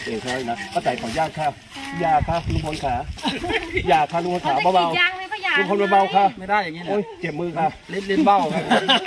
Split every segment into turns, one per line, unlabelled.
ใช่นะป้าแต่ขอยาค่ะยาค่ะลุงพลขายาค่ะลุงพลขาเบาๆลุงพลเบาๆค่ะ
ไม่ได้อย่างนี้นะ
โอ้ยเจ็บมือค่ะ
ลิ้นเบ้าครับ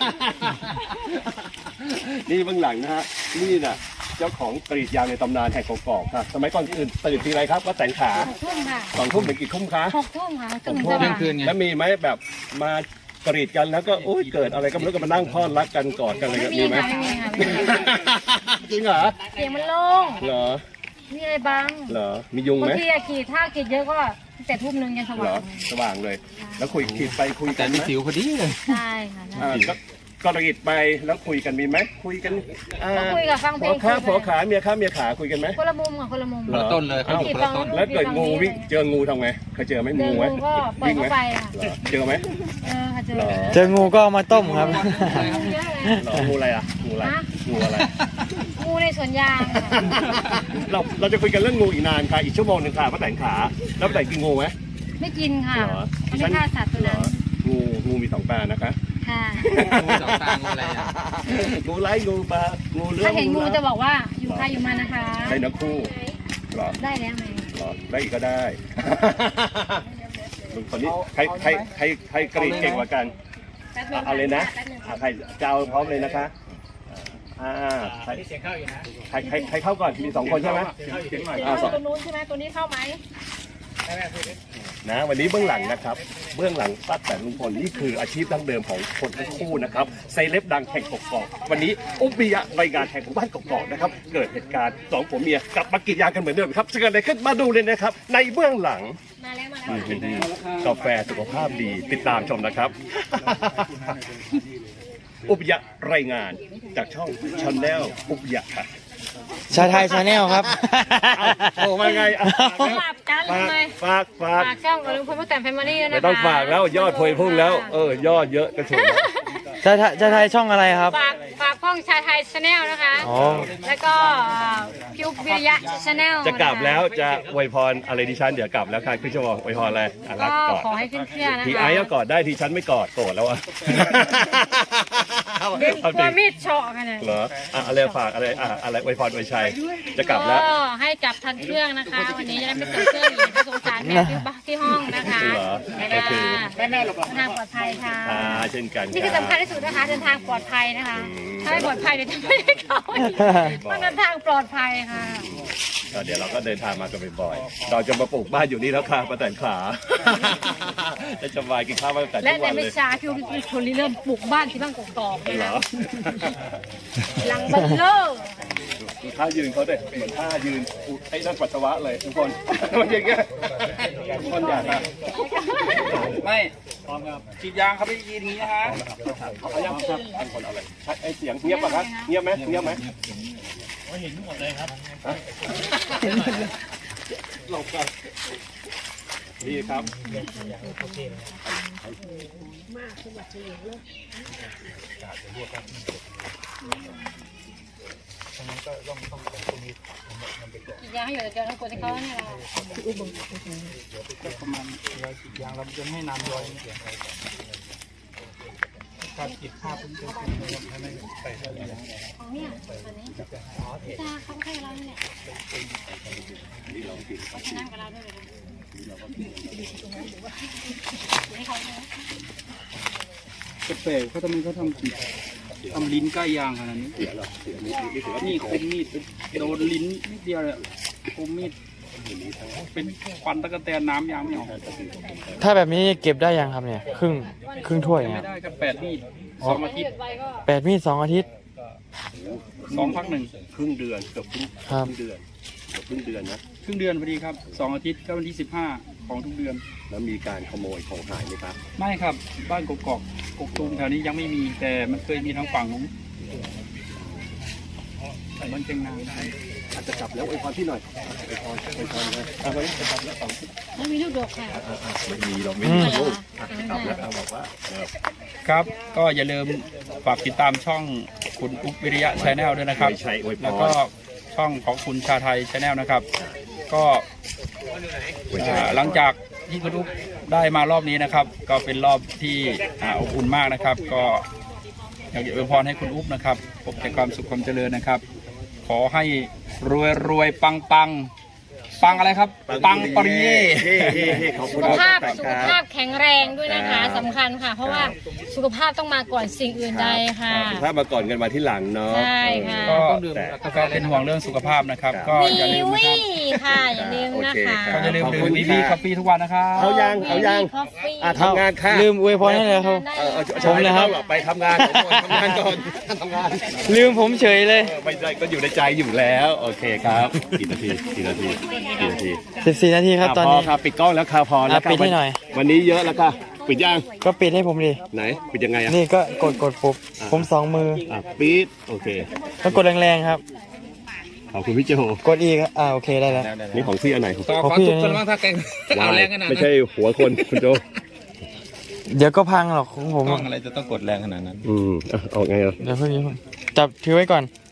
นี่เบื้องหลังนะฮะนี่น่ะเจ้าของกรีดยางในตำนานแห่งกอกๆครับสมัยก่อนอื่นตื่นทีไรครับป้าแต่ขา
6 ทุ่มค่ะ
2 ทุ่มถึงกี่ทุ่มคะ
6 ทุ่มค่ะถึง
6
จะ
ทุ่ม
คืนไง
แล้วมีไหมแบบมากรีดกันแล้วก็โอ้ยเกิดอะไรก็ไม่รู้ก็มานั่งพอดรักกันกอดกันอะไรกันมีไหม
ไม่มีค่ะ
จริงเหรอ
เสียงมันโล่ง
เหรอ
มีอะไรบ้าง
เหรอมียุง
บาง
ไหม
ทีกรีดถ้ากรีดเยอะก็แต่ทุ่มนึงยังส
เหร
ว่า
อง สว่างเลย แล้วคุยขีดไปคุย
แต่
กัน
มี
ไหม
สิวพอดีเลย
ใช่ค่ะ
ก็กรีดไปแล้วคุยกันมีไหมคุยกัน
ก็คุยกับฟังเพล
ผัวขาเมียขาคุยกันไหม
คนละมุมค่ะคนละมุม
คนละต้นเลยเขาอยู่คนละต้น
แล้วเกิดงูวิ่งเจองูทำไงเคยเจอไหม
เจอ
งูไหม
งูก็ปล่อยเข้าไปค่ะ
เหรอเจอไหม
ค่ะเจอ
เหรอ
เจองูก็เอามาต้มครับ
เยอะเลย
เหรองูอะไรอ่ะงูอะไรงูอะไร
งูในสวนยางค่ะ
เราจะคุยกันเรื่องงูอีกนานค่ะอีกชั่วโมงหนึ่งค่ะป้าแต่งขาแล้วป้าแต่งกินงูไหม
ไม่กินค่ะ
เหรอ
ไม่ฆ่าสัตว์ตัวนั้น
งูมี2 ตานะคะ
ค่ะ
งูสองตางูอะไรอ่ะ
งูไล่งูปลางูเลื้อ
ถ้าเห็นงูจะบอกว่าอยู่ใครอยู่มันนะคะ
ได้นะคู่เหรอ
ได้แล้วไหม
เหรอได้อีกก็ได้ลุงคนนี้ใครกรีดเก่งกว่ากันเอาเลยนะใครจะเอาพร้อมเลยนะคะใครเข้าก่อนมี2 คนใช่ไหม
ตัวนู้นใช่ไหมตัวนี้เข้าไหม
นะวันนี้เบื้องหลังนะครับเบื้องหลังป้าแต่ลุงพลนี่คืออาชีพดั้งเดิมของคนทั้งคู่นะครับเซเลบดังแห่งกอกๆวันนี้อุบิยะรายงานแห่งหมู่บ้านกอกๆนะครับเกิดเหตุการณ์2 ผัวเมียกลับมากรีดยางกันเหมือนเดิมครับจะเกิดอะไรขึ้นมาดูเลยนะครับในเบื้องหลัง
มาแล้ว
กาแฟสุขภาพดีติดตามชมนะครับ อุบยะรายงานจากช่องชาแนลอุบยะค่ะ
ชาไทยชาแนลครับ
โอ้มาไง
ฝากกันเลย
ฝาก
ฝากช่องกับลุงพลป้าแตนแฟมิลี่ด้วยนะคะ
ไม่ต้องฝากแล้วยอดพวยพุ่งแล้วยอดเยอะกระฉุน
ชาไทยช่องอะไรครับ
ฝากช่องชาไทยชาแนลนะคะ
อ๋อ
แล้วก็พิววิริยะชาแนล
จะกลับแล้วจะอวยพรอะไรดิฉันเดี๋ยวกลับแล้วค่ะพี่ชั่วโมงอวยพรอะไรรัก
ก็
กอด
ขอให้ขึ้นเครื่องนะคะ
ทีไอ้ก็กอดได้ทีฉันไม่กอดโกรธแล้วอ่ะ
เด็กกลัวมีดเฉาะกันเลย
เหรออะไรฝากอะไรอวยพรอวยชัยจะกลับแล้ว
ก็ให้กลับทันเครื่องนะคะ วันนี้จะได้ไม่เกิดเครื่องอีกไม่สงสารแม่ที่ห้องนะคะ
เหรอ
แล้วก็เดินทางปลอดภัยค่ะ
เช่นกัน
นี่คือสำคัญที่สุดนะคะเดินทางปลอดภัยนะคะ ถ้าไม่ปลอดภัยเดี๋ยวจะไม่ได้เข้าต้องเดินทางปลอดภัยค่ะ
เดี๋ยวเราก็เดินทางมากันบ่อยๆเราจะมาปลูกบ้านอยู่นี่แล้วค่ะป้าแตนขาจะสบายกินข้าวป้าแตน
และ
ทุก
ใน
วันเล
ไม่
ย
ช้าพี่วิทย์คนเริ่มปลูกบ้านที่บ้านกอกๆเลย
เหร
นะ
อ
หลังบัลเลอร์
ท่ายืนเขาเด็เหมือนท่ายืนไอ้นั่นปัสสาวะเลยทุกคนมันอย่างเงี้ยทุกคนอยากอะ
ไม่ฉีดยางเขาไม่ยินอย่างนี้นะฮะ
เอายังครับทุกคนเอาเลยไอ้เสียงเงียบป่ะครับเงียบไหมเงียบไหมเห็นหมดเลยครับหลบกันดีครับ
อีกอย่างให้อยู่เดี๋ยวทั้งคนที่เขาเนี่ยเรา
ประมาณฉีดยางเราจะไม่นานย้อยการฉีดภาพเป็นตัวให้ไม่ไปเท่าไหร่
ของเนี่ยอันนี้จ้าเขาให้เราเนี่ยนั่งกับเราด้วยเลยให้เขาเนี่ย
แปลกเขาทำไมเขาทำลิ้นใกล้ยางขนาดนี้นี่คมมีดโดนลิ้นนิดเดียวเลยคมมีดเป็นควันตะกะแตนน้ำยางไม่ออก
ถ้าแบบนี้เก็บได้ยังครับเนี่ย ครึ่งถ้วย
ไม่
เนี่ย
ได้กัน8 มีด2 อาทิตย์
8 มีด 2 อาทิตย์
2 พัก 1
ครึ่งเดือนเกือบครึ่ง
ครับ
เดือนเกือบครึ่งเดือนนะ
ครึ่งเดือนพอดีครับ2 อาทิตย์ก็วันที่15ของทุกเดือน
แล้วมีการขโมยของหายไหมครับ
ไม่ครับบ้านกกอกกกตูมแถวนี้ยังไม่มีแต่มันเคยมีทางฝั่งนู้นมันเชียงนาง
อาจจะกลับแล้วอวยพรพี่หน่อยอวยพรเลยวันนี้จะกลับแล้ว2
ไม่มีลูกดกค่ะ
ไม่มีเราไม่มีลูกกลับแล้วบอกว่า
ครับก็อย่าลืมฝากติดตามช่องคุณอุ๊บวิริยะชาแนลด้วยนะครับ
ไม่ใช่อวยพร
แล้วก็ช่องของคุณชาไทยชาแนลนะครับ ก็หลังจากที่คุณอุ๊บได้มารอบนี้นะครับ ก็เป็นรอบที่อบอุ่นมากนะครับ ก็อยากจะอวยพรให้คุณอุ๊บนะครับพบแต่ความสุขความเจริญนะครับขอให้รวยปังปังอะไรครับ ปังปริเย่
ขอบคุ
สุ
ณ
ขภาพ
ครับ
สุขภาพแข็งแรงด้วยนะคะสำคัญค่ะ เพราะว่าสุขภาพต้องมาก่อนสิ่งอื่นใดค่ะ
ถ้ามาก่อนกันมาที่หลังเนาะ
ใช่ค่ะ
ก็กาแฟเป็นห่วงเรื่องสุขภาพนะครับ ก็อย่าลืมนะ
วิ
ครับ
ค่ะอย่าลืมนะคะ
ก็อย่าลืมดื่มวีวีคอฟฟี่ทุกวันนะครับ
เอายัง ทำงานค่ะ
ลืมอวยพรให้เลยครับ ผมนะครับ
ไปทำงานทำงานก่อนทำงาน
ลืมผมเฉยเลย
ไม่ได้ก็อยู่ในใจอยู่แล้วโอเคครับกี่นาที
14 นาทีครับตอนนี้
พอครับปิดกล้องแล้วค่ะพอแล้ว
ปิดให้หน่อย
วันนี้เยอะแล้วค่ะปิดยัง
ก็ปิดให้ผมดิ
ไหนปิดยังไงอ่ะ
นี่ก็กดปุ๊บผม2 มือ
ปิดโอเค
ต้องกดแรงๆครับ
ขอบคุณพี่โจ
กดอีกโอเคได้แล้ว
นี่ของพี่อันไหน
ต่อขอทุบกันบ้างถ้าแกเอาแรงขนาด
ไม่
นั้น
ใช่หัวคนคุณโจ
เดี๋ยวก็พังหรอกของผม
กล้องอะไรจะต้องกดแรงขนาดนั้น
เอาไงอ่ะ
เดี๋ยวเพิ่งจับถือไว้ก่อน